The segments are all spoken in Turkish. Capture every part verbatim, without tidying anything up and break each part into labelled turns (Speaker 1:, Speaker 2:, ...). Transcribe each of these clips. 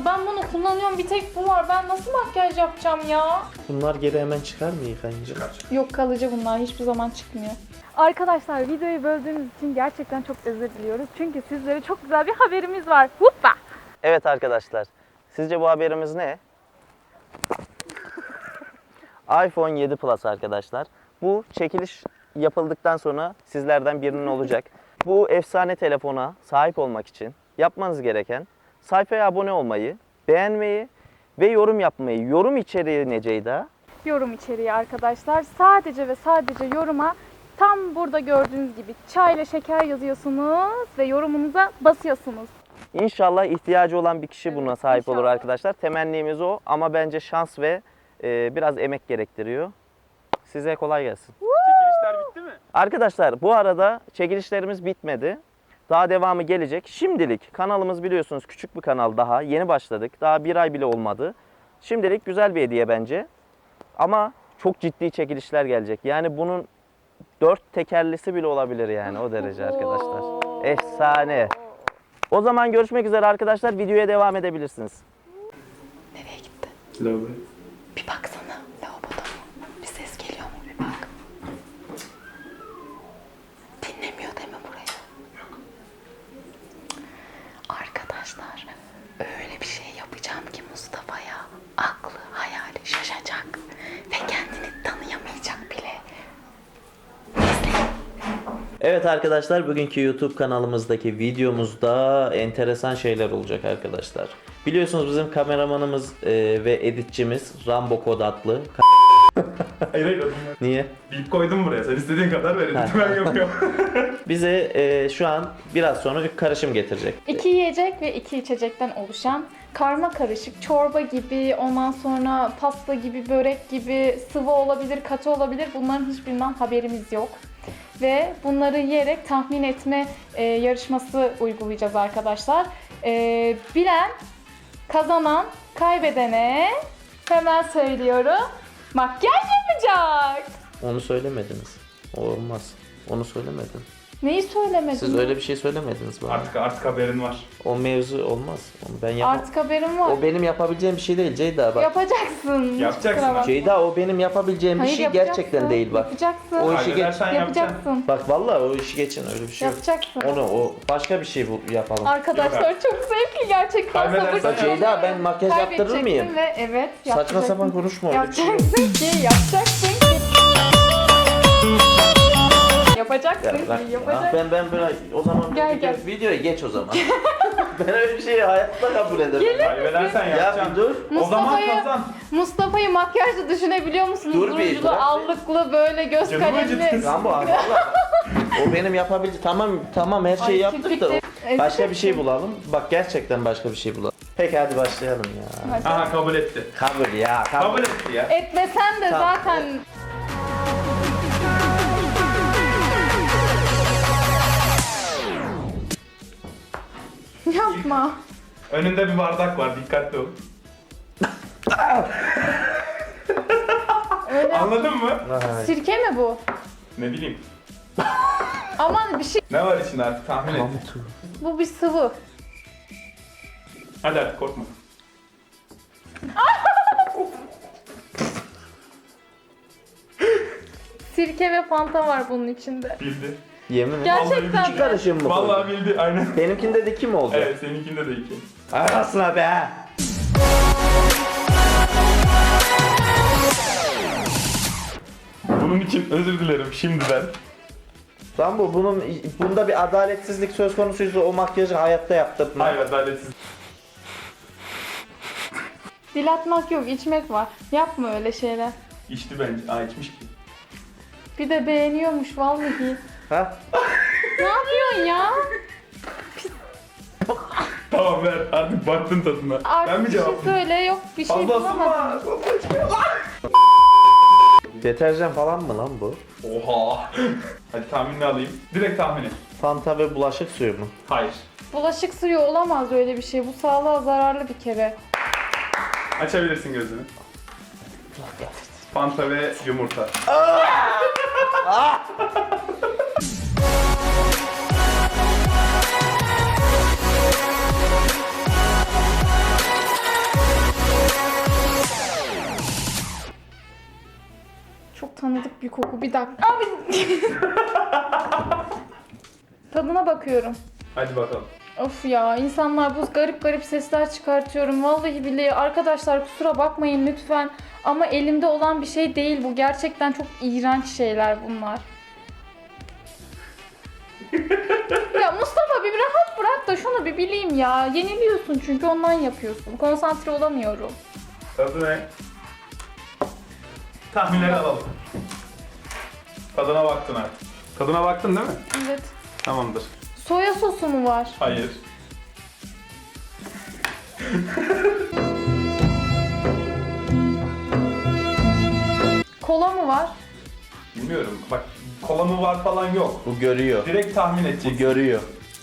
Speaker 1: Ben bunu kullanıyorum, bir tek bu var. Ben nasıl makyaj yapacağım ya?
Speaker 2: Bunlar geri hemen çıkar mı yıkayınca?
Speaker 1: Yok, kalıcı bunlar. Hiçbir zaman çıkmıyor. Arkadaşlar, videoyu böldüğümüz için gerçekten çok özür diliyoruz. Çünkü sizlere çok güzel bir haberimiz var. Hoppa!
Speaker 2: Evet arkadaşlar. Sizce bu haberimiz ne? iPhone yedi Plus arkadaşlar. Bu çekiliş yapıldıktan sonra sizlerden birinin olacak. Bu efsane telefona sahip olmak için yapmanız gereken sayfaya abone olmayı, beğenmeyi ve yorum yapmayı. Yorum içeriği ne Ceyda?
Speaker 1: Yorum içeriği arkadaşlar. Sadece ve sadece yoruma tam burada gördüğünüz gibi çay ile şeker yazıyorsunuz ve yorumunuza basıyorsunuz.
Speaker 2: İnşallah ihtiyacı olan bir kişi buna
Speaker 1: Evet,
Speaker 2: sahip olur
Speaker 1: inşallah.
Speaker 2: arkadaşlar. Temennimiz o ama bence şans ve e, biraz emek gerektiriyor. Size kolay gelsin.
Speaker 3: Çekilişler bitti mi?
Speaker 2: Arkadaşlar bu arada çekilişlerimiz bitmedi. Daha devamı gelecek. Şimdilik kanalımız biliyorsunuz küçük bir kanal daha. Yeni başladık. Daha bir ay bile olmadı. Şimdilik güzel bir hediye bence. Ama çok ciddi çekilişler gelecek. Yani bunun dört tekerlisi bile olabilir yani o derece arkadaşlar. Efsane. O zaman görüşmek üzere arkadaşlar. Videoya devam edebilirsiniz.
Speaker 1: Nereye gitti?
Speaker 3: Lavaboya.
Speaker 1: Bir baksana lavaboda mı? Bir ses geliyor mu? Bir bak. Dinlemiyor değil mi burayı? Yok. Arkadaşlar, öyle bir şey yapacağım ki Mustafa'ya aklı hayali şaşacak ve kendini tanıyamayacak bile.
Speaker 2: Evet arkadaşlar, bugünkü YouTube kanalımızdaki videomuzda enteresan şeyler olacak arkadaşlar. Biliyorsunuz bizim kameramanımız e, ve editçimiz Rambo Kod adlı.
Speaker 3: Hayır hayır adım yok.
Speaker 2: Niye?
Speaker 3: Bip koydum buraya. Sen istediğin kadar ver.
Speaker 2: Ha.
Speaker 3: Ben yapıyorum.
Speaker 2: Bize e, şu an biraz sonra bir karışım getirecek.
Speaker 1: İki yiyecek ve iki içecekten oluşan karma karışık çorba gibi, ondan sonra pasta gibi, börek gibi, sıvı olabilir, katı olabilir. Bunların hiçbirinden haberimiz yok. Ve bunları yiyerek tahmin etme e, yarışması uygulayacağız arkadaşlar. E, bilen, kazanan, kaybedene hemen söylüyorum, makyaj yapacak.
Speaker 2: Onu söylemediniz. O olmaz. Onu söylemedin.
Speaker 1: Neyi söylemedin?
Speaker 2: Siz öyle bir şey söylemediniz bana.
Speaker 3: Artık artık haberin var.
Speaker 2: O mevzu olmaz. Onu ben yapamam.
Speaker 1: Artık haberim var.
Speaker 2: O benim yapabileceğim bir şey değil Ceyda bak.
Speaker 1: Yapacaksın.
Speaker 3: Yapacaksın.
Speaker 1: Kusura bakma.
Speaker 2: Ceyda o benim yapabileceğim bir
Speaker 1: Hayır,
Speaker 2: şey
Speaker 1: yapacaksın.
Speaker 2: gerçekten değil bak.
Speaker 1: Yapacaksın.
Speaker 2: O işi geç.
Speaker 3: Kaybedersen yapacaksın.
Speaker 1: Yapacaksın.
Speaker 2: Bak vallahi o işi geçin öyle bir şey yok.
Speaker 1: Yapacaksın.
Speaker 2: Onu o başka bir şey bu yapalım.
Speaker 1: Arkadaşlar
Speaker 3: Yok
Speaker 1: çok zevkli gerçekten.
Speaker 3: Kaybedersen
Speaker 1: Sabır
Speaker 3: yap.
Speaker 2: Ceyda, ben makyaj yaptırır mıyım?
Speaker 1: Kaybedeceksin ve evet
Speaker 2: Saçma
Speaker 1: yapacaksın.
Speaker 2: sapan konuşma öyle bir şey yok.
Speaker 1: Yapacaksın ki, yapacaksın ki. Yapacaksın
Speaker 2: Ya
Speaker 1: ki,
Speaker 2: bırak ya.
Speaker 1: yapacaksın.
Speaker 2: Ben ben böyle o zaman
Speaker 1: Gel,
Speaker 2: video-
Speaker 1: gel.
Speaker 2: videoya geç o zaman. Ben öyle bir şeyi hayatta kabul edemem.
Speaker 1: Gelir
Speaker 3: Kaybedersen
Speaker 2: Ya
Speaker 3: yapacaksın.
Speaker 2: bir dur.
Speaker 3: O zaman
Speaker 1: Mustafa'yı-
Speaker 3: kazan.
Speaker 1: Mustafa'yı makyajla düşünebiliyor musunuz?
Speaker 2: Dur bir,
Speaker 1: Rujlu,
Speaker 2: bırak bir.
Speaker 1: allıklı, böyle göz
Speaker 3: Canım
Speaker 1: kalemli.
Speaker 3: acıdı.
Speaker 2: Rambo vallahi. O benim yapabileceğim. Tamam tamam her şeyi
Speaker 1: Ay,
Speaker 2: yaptık da
Speaker 1: kirpikleri-
Speaker 2: başka bir şey bulalım. Bak gerçekten başka bir şey bulalım. Peki hadi başlayalım ya.
Speaker 1: Hadi.
Speaker 3: Aha kabul etti.
Speaker 2: Kabul ya kabul.
Speaker 3: Kabul etti ya.
Speaker 1: Etmesen de
Speaker 2: Tamam.
Speaker 1: zaten... Yapma.
Speaker 3: Önünde bir bardak var. Dikkatli ol.
Speaker 1: Öyle.
Speaker 3: Anladın mı?
Speaker 2: Vay.
Speaker 1: Sirke mi bu?
Speaker 3: Ne bileyim.
Speaker 1: Aman bir şey.
Speaker 3: Ne var içinde artık tahmin et.
Speaker 1: Bu bir sıvı.
Speaker 3: Hadi artık korkma.
Speaker 1: Sirke ve fanta var bunun içinde.
Speaker 3: Bildi.
Speaker 2: Yemin ederim.
Speaker 1: Gerçekten
Speaker 3: Vallahi
Speaker 1: mi?
Speaker 2: Karışım mı?
Speaker 3: Vallahi bildi aynen.
Speaker 2: Benimkinde de kim olacak?
Speaker 3: Evet seninkinde de iki.
Speaker 2: Arasına be.
Speaker 3: Bunun için özür dilerim şimdiden.
Speaker 2: Rambo bunun bunda bir adaletsizlik söz konusuysa o makyajı hayatta yaptırtma.
Speaker 3: Hayır adaletsiz.
Speaker 1: Dilatmak yok, içmek var. Yapma öyle şeyler.
Speaker 3: İçti bence. Aa içmiş ki.
Speaker 1: Bir de beğeniyormuş vallahi.
Speaker 2: Ha?
Speaker 1: Ne yapıyorsun ya?
Speaker 3: Tamam ver artık baktın tadına.
Speaker 1: Artık
Speaker 3: ben mi
Speaker 1: bir şey
Speaker 3: cevap
Speaker 1: söyle, yok bir şey
Speaker 3: Fazla
Speaker 1: bulamadım.
Speaker 3: ısınma. Fazla içme.
Speaker 2: Deterjan falan mı lan bu?
Speaker 3: Oha. Hadi tahminini alayım. Direkt tahmin et.
Speaker 2: Fanta ve bulaşık suyu mu?
Speaker 3: Hayır.
Speaker 1: Bulaşık suyu olamaz öyle bir şey. Bu sağlığa zararlı bir kere.
Speaker 3: Açabilirsin gözünü. Fanta ve yumurta.
Speaker 1: bir koku. Bir dakika. Abi. Tadına bakıyorum.
Speaker 3: Hadi bakalım.
Speaker 1: Of ya, insanlar bu garip garip sesler çıkartıyorum. Vallahi billahi arkadaşlar kusura bakmayın lütfen. Ama elimde olan bir şey değil bu. Gerçekten çok iğrenç şeyler bunlar. Ya Mustafa bir rahat bırak da şunu bir bileyim ya. Yeniliyorsun çünkü ondan yapıyorsun. Konsantre olamıyorum.
Speaker 3: Tadı ne? Tahminleri alalım. Tadına baktın artık. Tadına baktın değil mi?
Speaker 1: Evet.
Speaker 3: Tamamdır.
Speaker 1: Soya sosu mu var?
Speaker 3: Hayır.
Speaker 1: Kola mı var?
Speaker 3: Bilmiyorum. Bak kola mı var falan yok.
Speaker 2: Bu görüyor.
Speaker 3: Direkt tahmin
Speaker 2: Bu
Speaker 3: edeceksin.
Speaker 2: görüyor.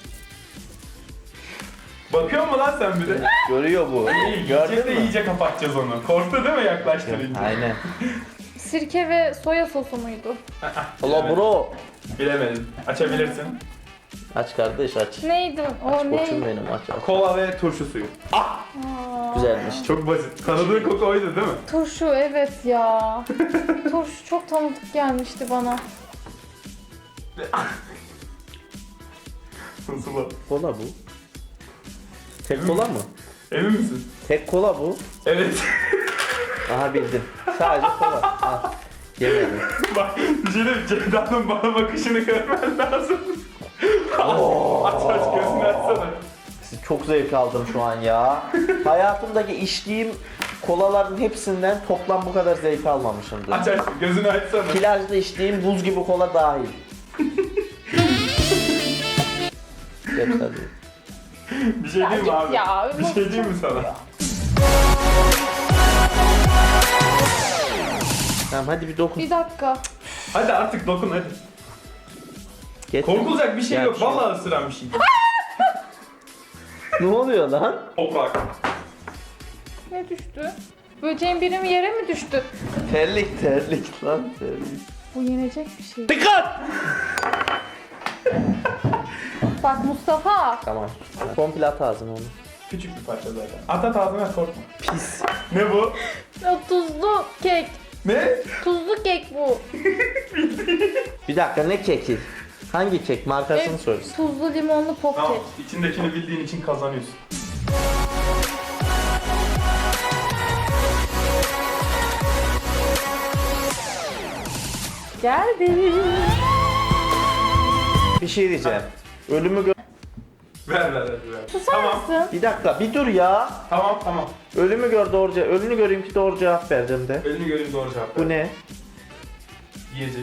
Speaker 3: Bakıyor mu lan sen bir de?
Speaker 2: Görüyor bu.
Speaker 3: İyi,
Speaker 2: Gördün
Speaker 3: yiyecek de
Speaker 2: mü?
Speaker 3: iyice kapatacağız onu. Korktu değil mi yaklaştırınca?
Speaker 2: Aynen.
Speaker 1: Sirke ve soya sosu muydu?
Speaker 2: Ola bro.
Speaker 3: Bilemedim. Açabilirsin.
Speaker 2: Aç kardeş aç.
Speaker 1: Neydi? O
Speaker 2: Koçum
Speaker 1: neydi?
Speaker 2: benim aç aç.
Speaker 3: Kola ve turşu suyu.
Speaker 1: Aa,
Speaker 2: Güzelmiş.
Speaker 3: Çok basit. Tanıdığın koku oydu değil mi?
Speaker 1: turşu evet ya. Turşu çok tanıdık gelmişti bana.
Speaker 3: Nasıl o?
Speaker 2: Kola bu. Tek kola mı?
Speaker 3: Emin misin?
Speaker 2: Tek kola bu.
Speaker 3: Evet.
Speaker 2: Aha bildim. Sadece kola. Al. Yemedim.
Speaker 3: Bak bir şey diyeyim, Ceyda'nın bana bakışını görmen lazım. aç aç gözünü açsana.
Speaker 2: Çok zevk aldım şu an ya. Hayatımdaki içtiğim kolaların hepsinden toplam bu kadar zevk almamışımdır.
Speaker 3: Aç aç gözünü açsana.
Speaker 2: Plajda içtiğim buz gibi kola dahil. Geç hadi.
Speaker 3: Bir şey diyeyim mi
Speaker 1: git
Speaker 3: abi?
Speaker 1: ya,
Speaker 3: Bir şey diyeyim mi sana?
Speaker 2: Tamam hadi bir dokun.
Speaker 1: Bir dakika.
Speaker 3: Hadi artık dokun hadi.
Speaker 2: Geç.
Speaker 3: Korkulacak bir şey
Speaker 2: Ya,
Speaker 3: yok.
Speaker 2: bir şey
Speaker 3: Vallahi ısıran bir şey.
Speaker 2: Ne oluyor lan?
Speaker 3: Toprak.
Speaker 1: Ne düştü? Böceğin biri mi yere mi düştü?
Speaker 2: Terlik terlik lan terlik.
Speaker 1: Bu yenecek bir şey.
Speaker 2: Dikkat!
Speaker 1: Bak Mustafa.
Speaker 2: Tamam. Komple at ağzına onu.
Speaker 3: Küçük bir parça zaten. At at ağzına korkma.
Speaker 2: Pis.
Speaker 3: Ne bu?
Speaker 1: O tuzlu kek.
Speaker 3: Ne?
Speaker 1: Tuzlu kek bu.
Speaker 2: Bir dakika ne keki? Hangi kek? Markasını
Speaker 1: Evet,
Speaker 2: söyle.
Speaker 1: tuzlu limonlu pop
Speaker 3: Tamam.
Speaker 1: kek.
Speaker 3: İçindekini bildiğin için kazanıyorsun.
Speaker 1: Geldi.
Speaker 2: Bir şey diyeceğim. Ölümü gö...
Speaker 3: Ver ver ver. ver.
Speaker 1: Susar
Speaker 3: Tamam.
Speaker 1: mısın?
Speaker 2: Bir dakika bir dur ya.
Speaker 3: Tamam tamam.
Speaker 2: Ölümü gör doğru cevap. Ölümü göreyim ki doğru cevap verdim de.
Speaker 3: Elini göreyim doğru cevap.
Speaker 2: Bu
Speaker 3: ver.
Speaker 2: ne?
Speaker 3: Yiyecek.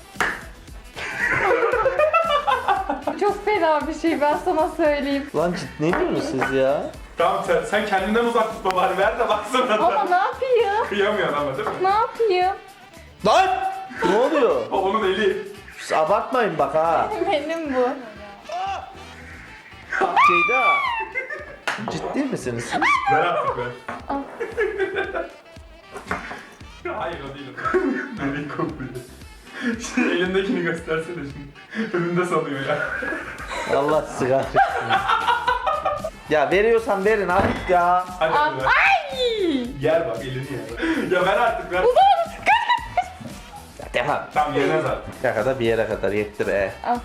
Speaker 1: Çok fena bir şey ben sana söyleyeyim.
Speaker 2: Lan ciddi ne diyorsunuz siz ya?
Speaker 3: Tamam sen, sen kendinden uzak tutma bari ver de baksana.
Speaker 1: Ama ne yapayım?
Speaker 3: Kıyamıyorsun ama değil mi?
Speaker 1: Ne yapayım?
Speaker 2: Lan! Ne oluyor?
Speaker 3: O onun eli.
Speaker 2: Siz abartmayın bak ha.
Speaker 1: Benim bu.
Speaker 2: Ceyda. Ciddi misiniz siz?
Speaker 3: Ver artık ver.
Speaker 1: Al.
Speaker 3: Hayır o değil o. Bebek kokuyor. Şimdi elindekini göstersene şimdi. Önünde sanıyor ya.
Speaker 2: Allah sizi kahretsin. Ya veriyorsan verin artık ya.
Speaker 3: Hadi
Speaker 1: Al.
Speaker 3: hadi ver.
Speaker 1: Ay!
Speaker 3: Yer bak elini yer. Ya ver artık ver.
Speaker 2: Ya devam.
Speaker 3: Tamam yemez artık.
Speaker 2: Ya kadar bir yere kadar yetti be.
Speaker 1: Al.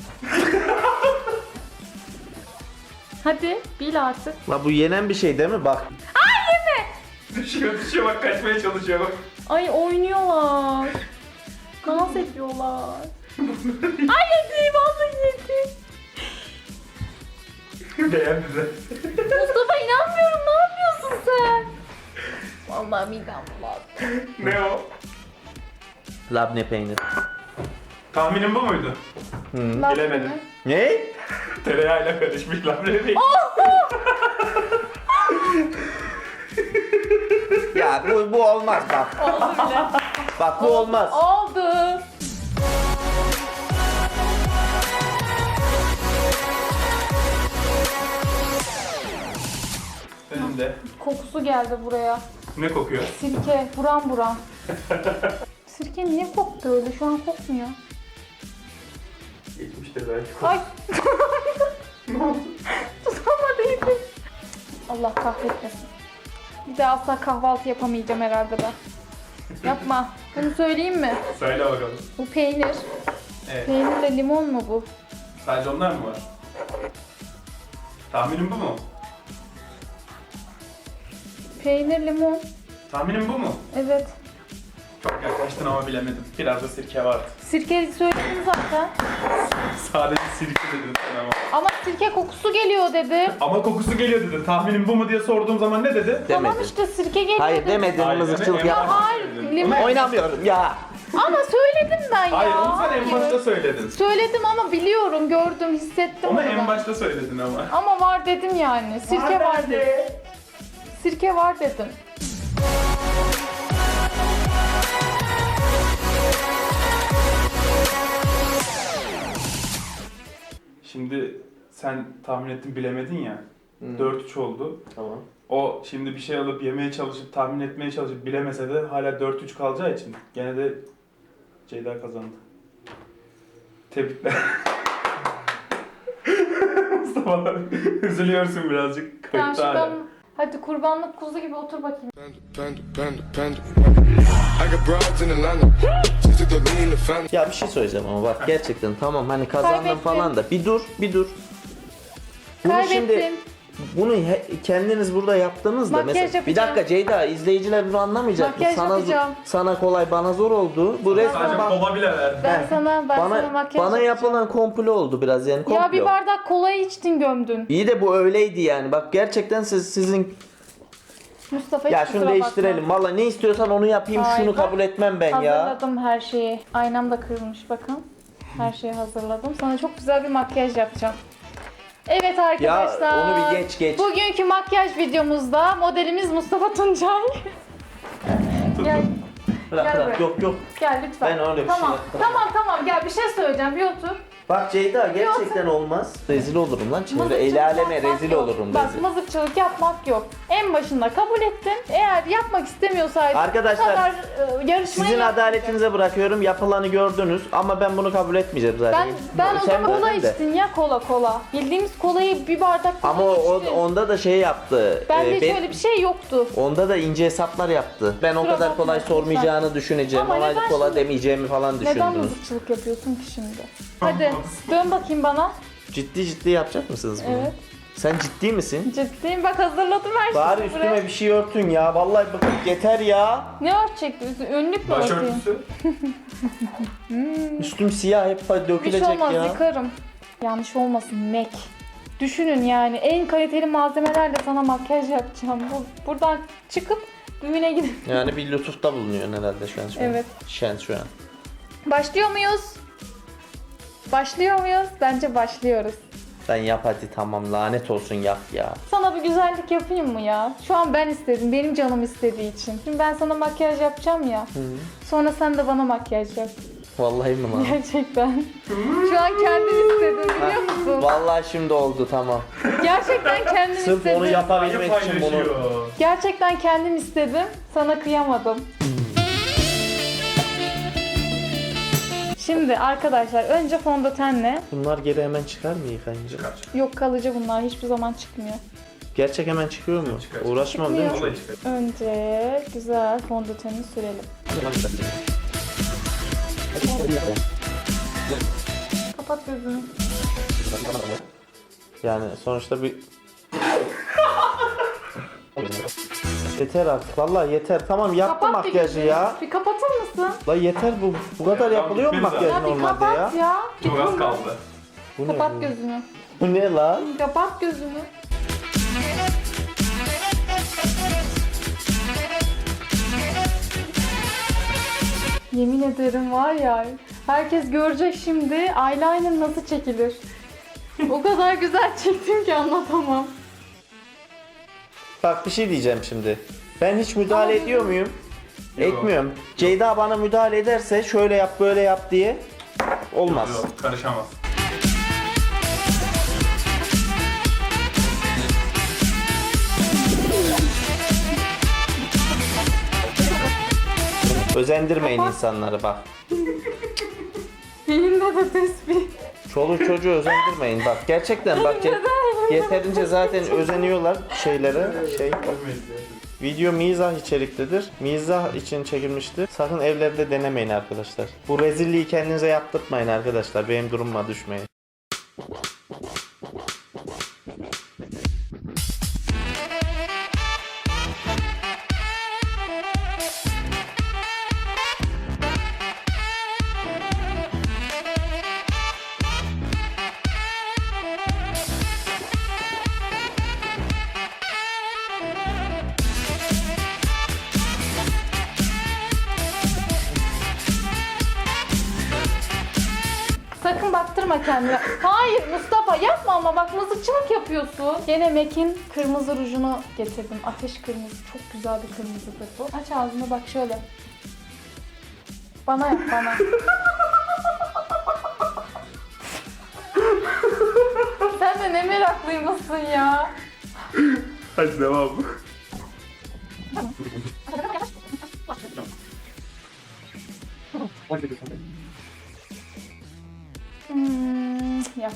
Speaker 1: Hadi bil artık.
Speaker 2: La bu yenen bir şey değil mi? Bak.
Speaker 3: Düşüyor düşüyor bak kaçmaya çalışıyor bak.
Speaker 1: Ay oynuyorlar. Dans ediyorlar. Ay yedi vallahi yedi.
Speaker 3: Beğendi de.
Speaker 1: Mustafa inanmıyorum ne yapıyorsun sen? Vallahi midem bulandı.
Speaker 3: Ne o?
Speaker 2: Labne peynir.
Speaker 3: Tahminin bu muydu?
Speaker 2: Hı.
Speaker 3: Bilemedim.
Speaker 2: Ne?
Speaker 3: Tereyağıyla karışmış labne değil.
Speaker 2: Ya bu, bu olmaz bak.
Speaker 1: Oldu bile.
Speaker 2: Bak bu olmaz.
Speaker 1: Oldu.
Speaker 3: Önünde.
Speaker 1: Kokusu geldi buraya.
Speaker 3: Ne kokuyor?
Speaker 1: Sirke buram buram. Sirke niye koktu öyle? Şu an kokmuyor.
Speaker 3: Geçmiştir belki.
Speaker 1: Ay
Speaker 3: Ne oldu?
Speaker 1: tutamadıydım. Allah kahretmesin. Bir daha asla kahvaltı yapamayacağım herhalde ben. Yapma. Bunu söyleyeyim mi?
Speaker 3: Söyle bakalım.
Speaker 1: Bu peynir.
Speaker 3: Evet.
Speaker 1: Peynirle limon mu bu?
Speaker 3: Sadece onlar mı var? Tahminim bu mu?
Speaker 1: Peynir, limon.
Speaker 3: Tahminim bu mu?
Speaker 1: Evet.
Speaker 3: Çok yaklaştın ama bilemedim. Biraz da sirke vardı.
Speaker 1: Sirke söyledim zaten.
Speaker 3: Sadece sirke dedin sen ama.
Speaker 1: Ama sirke kokusu geliyor dedi.
Speaker 3: Ama kokusu geliyor dedi. Tahminim bu mu diye sorduğum zaman ne dedi?
Speaker 1: Tamam
Speaker 2: Demedim.
Speaker 1: işte sirke geliyor
Speaker 2: Hayır
Speaker 1: dedi.
Speaker 2: demedin,
Speaker 3: Hayır,
Speaker 2: mızıkçılık
Speaker 3: deme, en
Speaker 2: yapma.
Speaker 3: başta
Speaker 1: Hayır,
Speaker 3: söyledin.
Speaker 1: limon.
Speaker 2: Oynamıyorum ya.
Speaker 1: Ama söyledim ben ya.
Speaker 3: Hayır onu sen en
Speaker 1: Hayır.
Speaker 3: başta söyledin.
Speaker 1: Söyledim ama biliyorum, gördüm, hissettim
Speaker 3: Onu
Speaker 1: onu
Speaker 3: en
Speaker 1: ben.
Speaker 3: başta söyledin ama.
Speaker 1: Ama var dedim yani. Sirke var, dedim. Sirke var dedim.
Speaker 3: Şimdi sen tahmin ettin bilemedin ya. dört üç oldu.
Speaker 2: Tamam.
Speaker 3: O şimdi bir şey alıp yemeye çalışıp tahmin etmeye çalışıp bilemese de hala dört üç kalacağı için gene de Ceyda kazandı. Tebrikler. Mustafa üzülüyorsun birazcık.
Speaker 1: Tamam
Speaker 3: Kayıtta hala.
Speaker 1: şuradan hadi kurbanlık kuzu gibi otur bakayım.
Speaker 4: Panda, panda, panda, panda. I got broads in Atlanta. Just took the lean, the family.
Speaker 2: Ya bir şey söyleyeceğim ama bak gerçekten tamam hani kazandım
Speaker 1: Kaybettim.
Speaker 2: falan da bir dur bir dur. Bunu
Speaker 1: Kaybettim.
Speaker 2: şimdi bunu he- kendiniz burada yaptınız da
Speaker 1: Makyaj
Speaker 2: mesela bir
Speaker 1: yapacağım.
Speaker 2: dakika Ceyda izleyiciler bunu anlamayacak.
Speaker 1: Makyaj
Speaker 2: sana
Speaker 1: yapacağım.
Speaker 2: sana kolay bana zor oldu. Bu resmen
Speaker 3: Sadece
Speaker 2: bak-
Speaker 3: kola bile ver.
Speaker 1: Ben
Speaker 2: He.
Speaker 1: sana ben sana
Speaker 2: bana
Speaker 1: makyaj
Speaker 2: bana
Speaker 1: yapacağım.
Speaker 2: yapılan komplo oldu biraz yani komplo.
Speaker 1: Ya bir bardak kolayı içtin gömdün.
Speaker 2: İyi de bu öyleydi yani. Bak gerçekten siz sizin
Speaker 1: Mustafa hiç
Speaker 2: ya
Speaker 1: kusura
Speaker 2: şunu değiştirelim.
Speaker 1: bakma.
Speaker 2: Valla ne istiyorsan onu yapayım.
Speaker 1: Hayır,
Speaker 2: şunu
Speaker 1: bak,
Speaker 2: kabul etmem ben ya.
Speaker 1: Hazırladım her şeyi. Aynam da kırılmış bakın. Her şeyi hazırladım. Sana çok güzel bir makyaj yapacağım. Evet arkadaşlar.
Speaker 2: Ya onu bir geç geç.
Speaker 1: Bugünkü makyaj videomuzda modelimiz Mustafa Tuncay. Gel,
Speaker 2: Bırak
Speaker 1: gel
Speaker 2: bırak.
Speaker 1: buraya.
Speaker 2: Yok yok.
Speaker 1: gel lütfen.
Speaker 2: Ben öyle bir şey
Speaker 1: tamam,
Speaker 2: yapmam.
Speaker 1: Tamam tamam gel bir şey söyleyeceğim bir otur.
Speaker 2: Bak Ceyda gerçekten olmaz. Rezil olurum lan çevre.
Speaker 1: Mızıkçılık
Speaker 2: El aleme
Speaker 1: yapmak
Speaker 2: rezil
Speaker 1: yok.
Speaker 2: olurum
Speaker 1: Bak
Speaker 2: rezil.
Speaker 1: mızıkçılık yapmak yok. En başında kabul ettin. Eğer yapmak istemiyorsaydın
Speaker 2: Arkadaşlar,
Speaker 1: bu kadar e, yarışmayı
Speaker 2: Sizin
Speaker 1: yapmayacaktın.
Speaker 2: adaletinize bırakıyorum. Yapılanı gördünüz ama ben bunu kabul etmeyeceğim zaten.
Speaker 1: Ben, ben o
Speaker 2: Sen
Speaker 1: zaman kola
Speaker 2: verdin de.
Speaker 1: içtin ya kola kola. Bildiğimiz kolayı bir bardak kola
Speaker 2: Ama o,
Speaker 1: içtin.
Speaker 2: onda da şey yaptı.
Speaker 1: Bende
Speaker 2: Ee,
Speaker 1: hiç
Speaker 2: ben-
Speaker 1: öyle bir şey yoktu.
Speaker 2: Onda da ince hesaplar yaptı. Ben o
Speaker 1: Kusura
Speaker 2: kadar
Speaker 1: bakma,
Speaker 2: kolay
Speaker 1: lütfen.
Speaker 2: sormayacağını düşüneceğim.
Speaker 1: Ama
Speaker 2: Ona
Speaker 1: neden
Speaker 2: kola
Speaker 1: şimdi-
Speaker 2: demeyeceğimi falan
Speaker 1: Neden
Speaker 2: düşündünüz.
Speaker 1: mızıkçılık yapıyorsun ki şimdi? Hadi dön bakayım bana.
Speaker 2: Ciddi ciddi yapacak mısınız bunu?
Speaker 1: Evet.
Speaker 2: Sen ciddi misin?
Speaker 1: Ciddiyim bak hazırladım her şeyi.
Speaker 2: Bari
Speaker 1: buraya.
Speaker 2: üstüme bir şey örtün ya. Vallahi bakın yeter ya.
Speaker 1: Ne örtecekti? Önlük mü örteyim?
Speaker 3: Başörtüsü.
Speaker 2: Üstüm siyah hep
Speaker 1: Bir şey
Speaker 2: dökülecek
Speaker 1: olmaz
Speaker 2: ya.
Speaker 1: yıkarım. Yanlış olmasın Mac. Düşünün yani en kaliteli malzemelerle sana makyaj yapacağım. Bu, buradan çıkıp düğüne gidip.
Speaker 2: Yani bir lütufta bulunuyorsun herhalde şu an. Şu an.
Speaker 1: Evet.
Speaker 2: Şen şu an.
Speaker 1: Başlıyor muyuz? Başlıyor muyuz? Bence başlıyoruz.
Speaker 2: Sen yap hadi tamam lanet olsun yap ya.
Speaker 1: Sana bir güzellik yapayım mı ya? Şu an ben istedim, benim canım istediği için. Şimdi ben sana makyaj yapacağım ya. Sonra sen de bana makyaj yap.
Speaker 2: Vallahi mi lan?
Speaker 1: Gerçekten. Şu an kendim istedim biliyor musun?
Speaker 2: Vallahi şimdi oldu tamam.
Speaker 1: Gerçekten kendim
Speaker 2: Sırf
Speaker 1: istedim.
Speaker 2: onu
Speaker 3: Ayı
Speaker 2: yapabilmek için bunu.
Speaker 3: paylaşıyor.
Speaker 1: Gerçekten kendim istedim. Sana kıyamadım. Şimdi arkadaşlar önce fondötenle.
Speaker 2: Bunlar geri hemen çıkar mı yıkayınca?
Speaker 3: Çıkar.
Speaker 1: Yok kalıcı bunlar hiçbir zaman çıkmıyor.
Speaker 2: Gerçek hemen çıkıyor mu?
Speaker 3: Çıkar.
Speaker 2: Uğraşmam değil mi?
Speaker 1: Çıkmıyor.
Speaker 3: Kolay çıkar.
Speaker 1: Önce güzel fondöteni sürelim. Kapat gözünü.
Speaker 2: Yani sonuçta bir... Yeter artık vallahi yeter. Tamam yaptım
Speaker 1: Kapat bir
Speaker 2: makyajı
Speaker 1: gözünü.
Speaker 2: ya.
Speaker 1: Bir kapatır mısın?
Speaker 2: La yeter bu. Bu kadar
Speaker 3: Ya,
Speaker 2: yapılıyor mu
Speaker 3: bitmedi
Speaker 2: makyaj
Speaker 1: Ya bir
Speaker 2: normalde
Speaker 1: kapat
Speaker 2: ya?
Speaker 1: ya.
Speaker 3: Çok az kaldı.
Speaker 2: Bu ne
Speaker 1: Kapat
Speaker 2: bu?
Speaker 1: gözünü.
Speaker 2: Bu ne lan?
Speaker 1: Kapat gözünü. Yemin ederim var ya, herkes görecek şimdi eyeliner nasıl çekilir. O kadar güzel çektim ki anlatamam.
Speaker 2: Bak bir şey diyeceğim şimdi. Ben hiç müdahale
Speaker 1: Ama-
Speaker 2: ediyor muyum?
Speaker 3: Yok.
Speaker 2: Etmiyorum. Ceyda bana müdahale ederse şöyle yap böyle yap diye olmaz.
Speaker 3: Yok, karışamaz.
Speaker 2: Özendirmeyin
Speaker 1: Kapat.
Speaker 2: insanları bak.
Speaker 1: Elimde de tespih.
Speaker 2: Çoluk çocuğu özendirmeyin bak. Gerçekten bak ye- yeterince zaten özeniyorlar şeylere. Şey Video mizah içeriklidir. Mizah için çekilmiştir. Sakın evlerde denemeyin arkadaşlar. Bu rezilliği kendinize yaptırtmayın arkadaşlar. Benim durumuma düşmeyin.
Speaker 1: Sakın baktırma kendine. Hayır Mustafa yapma ama bak mızıkçılık yapıyorsun. Gene Mac'in kırmızı rujunu getirdim. Ateş kırmızı. Çok güzel bir kırmızıdır bu. Aç ağzını bak şöyle. Bana yap bana. Sen de ne meraklıymışsın ya.
Speaker 3: Hadi devam.
Speaker 1: Hmm, yap.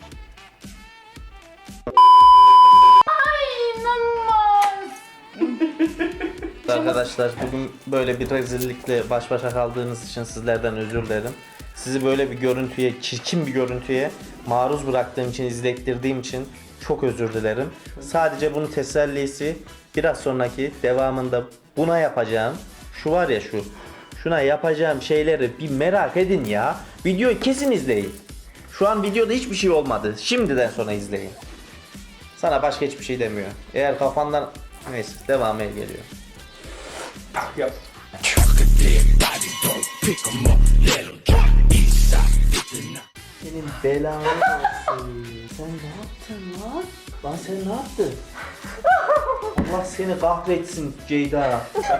Speaker 1: Ay inanılmaz.
Speaker 2: Arkadaşlar bugün böyle bir rezillikle baş başa kaldığınız için sizlerden özür dilerim. Sizi böyle bir görüntüye, çirkin bir görüntüye maruz bıraktığım için, izlettirdiğim için çok özür dilerim. Sadece bunun tesellisi biraz sonraki devamında buna yapacağım. Şu var ya şu. Şuna yapacağım şeyleri bir merak edin ya. Videoyu kesin izleyin. Şu an videoda hiçbir şey olmadı. Şimdiden sonra izleyin. Sana başka hiçbir şey demiyor. Eğer kafandan... Neyse devamı geliyor.
Speaker 3: Yap.
Speaker 2: Senin belanı olsun. Sen ne yaptın lan? Lan sen ne yaptın? Allah seni kahretsin Ceyda.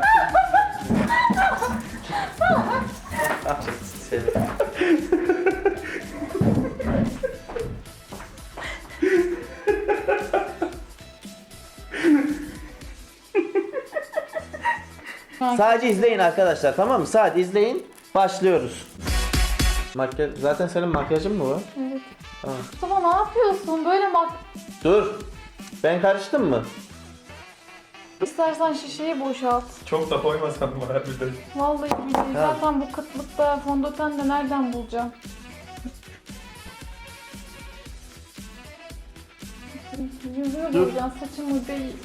Speaker 2: Kahretsin seni. Sadece izleyin arkadaşlar, tamam mı? Sadece izleyin. Başlıyoruz. Makyaj, zaten senin makyajın mı var?
Speaker 1: Evet.
Speaker 2: Tamam.
Speaker 1: Mustafa ne yapıyorsun? Böyle mak...
Speaker 2: Dur. Ben karıştım mı?
Speaker 1: İstersen şişeyi boşalt.
Speaker 3: Çok da koymasam mı harbiden?
Speaker 1: Vallahi billahi
Speaker 2: Ha.
Speaker 1: zaten bu kıtlıkta fondöten de nereden bulacağım? Yüzümü
Speaker 2: Dur.
Speaker 1: boyayacaksın, saçımı değil.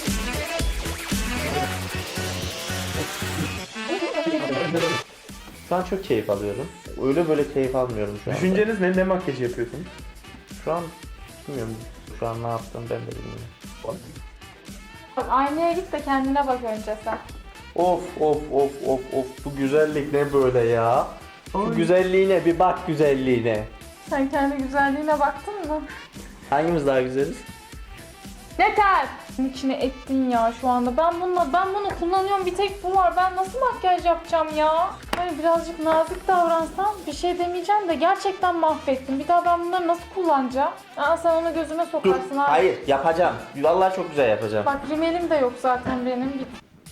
Speaker 2: Şu an çok keyif alıyorum. Öyle böyle keyif almıyorum şu an.
Speaker 3: Düşünceniz ne? Ne makyajı yapıyorsun?
Speaker 2: Şu an bilmiyorum. Şu an ne yaptım ben de bilmiyorum.
Speaker 1: Bak aynaya git de kendine bak önce sen.
Speaker 2: Of of of of of bu güzellik ne böyle ya? Şu
Speaker 3: Ay.
Speaker 2: güzelliğine bir bak güzelliğine.
Speaker 1: Sen kendi güzelliğine baktın mı?
Speaker 2: Hangimiz daha güzeliz?
Speaker 1: Yeter! İçine ettin ya şu anda. Ben bununla ben bunu kullanıyorum. Bir tek bu var. Ben nasıl makyaj yapacağım ya? Hani birazcık nazik davransam bir şey demeyeceğim de gerçekten mahvettim. Bir daha ben bunları nasıl kullanacağım? Aa, sen onu gözüme
Speaker 2: Dur.
Speaker 1: sokarsın abi.
Speaker 2: Hayır yapacağım. Vallahi çok güzel yapacağım.
Speaker 1: Bak rimelim de yok zaten benim. Git.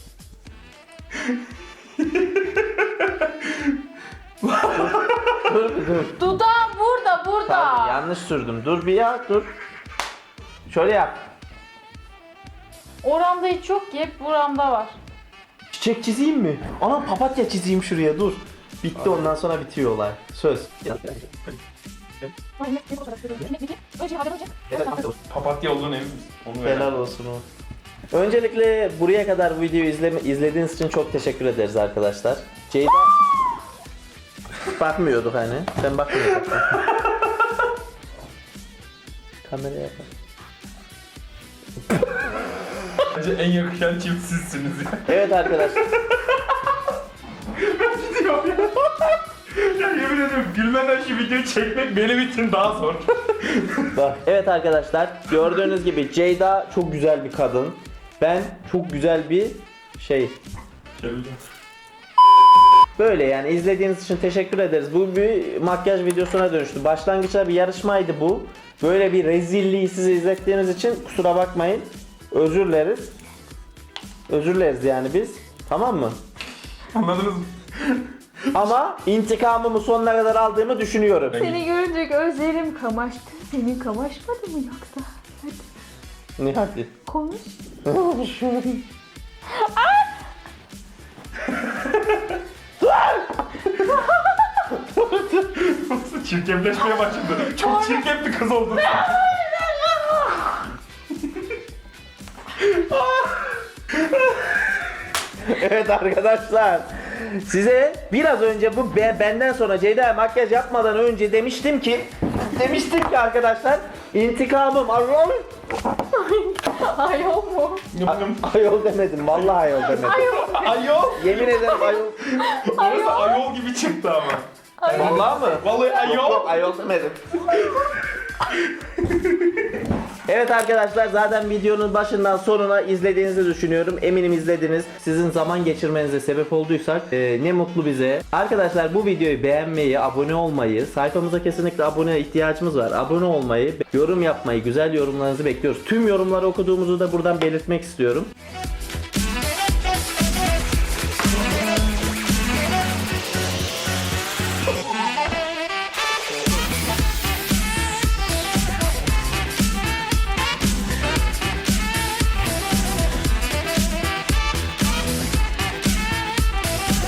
Speaker 2: Dur dur.
Speaker 1: Dudağım burada burada.
Speaker 2: Pardon, yanlış sürdüm. Dur bir ya dur. Şöyle yap.
Speaker 1: Oramda hiç yok ki, hep buramda var.
Speaker 2: Çiçek çizeyim mi? Ana papatya çizeyim şuraya dur. Bitti ondan sonra bitiyor olay. Söz.
Speaker 3: Papatya olduğunu emin misin? Onu ver.
Speaker 2: Helal olsun o. Öncelikle buraya kadar bu videoyu izleme, izlediğiniz için çok teşekkür ederiz arkadaşlar. Ceyda... Bakmıyorduk hani. Sen bakmıyordun. Kameraya bak.
Speaker 3: Bence en yakışan çift sizsiniz ya.
Speaker 2: Evet arkadaşlar.
Speaker 3: Gidiyorum ya. Ya yemin ediyorum gülmeden şu videoyu çekmek benim için daha zor.
Speaker 2: Bak. Evet arkadaşlar gördüğünüz gibi Ceyda çok güzel bir kadın. Ben çok güzel bir şey.
Speaker 3: Şöyle.
Speaker 2: Böyle yani izlediğiniz için teşekkür ederiz. Bu bir makyaj videosuna dönüştü. Başlangıçta bir yarışmaydı bu. Böyle bir rezilliği size izlettiğimiz için kusura bakmayın. Özür dileriz. Özür dileriz yani biz. Tamam mı?
Speaker 3: Anladınız mı?
Speaker 2: Ama intikamımı sonuna kadar aldığımı düşünüyorum.
Speaker 1: Seni görünce gözlerim kamaştı. Senin kamaşmadı mı yoksa? Hadi
Speaker 2: Ne hadi?
Speaker 1: konuş.
Speaker 3: Nasıl çirkefleşmeye başladı. Çok çirkef bir kız oldun.
Speaker 2: Evet arkadaşlar. Size biraz önce bu be- benden sonra Ceyda'ya makyaj yapmadan önce demiştim ki demiştim ki arkadaşlar intikamım ayol.
Speaker 1: Ayol mu?
Speaker 3: Yum yum.
Speaker 2: Ayol demedim. Vallahi ayol demedim.
Speaker 3: Ayol.
Speaker 2: Yemin ederim ayol.
Speaker 3: Orası ayol gibi çıktı ama.
Speaker 2: Vallahi mı?
Speaker 3: Vallahi
Speaker 2: Yok,
Speaker 3: ayol.
Speaker 2: yok, ayol demedim. Evet arkadaşlar zaten videonun başından sonuna izlediğinizi düşünüyorum. Eminim izlediniz. Sizin zaman geçirmenize sebep olduysak e, ne mutlu bize. Arkadaşlar bu videoyu beğenmeyi, abone olmayı, sayfamıza kesinlikle abone ihtiyacımız var. Abone olmayı, yorum yapmayı, güzel yorumlarınızı bekliyoruz. Tüm yorumları okuduğumuzu da buradan belirtmek istiyorum.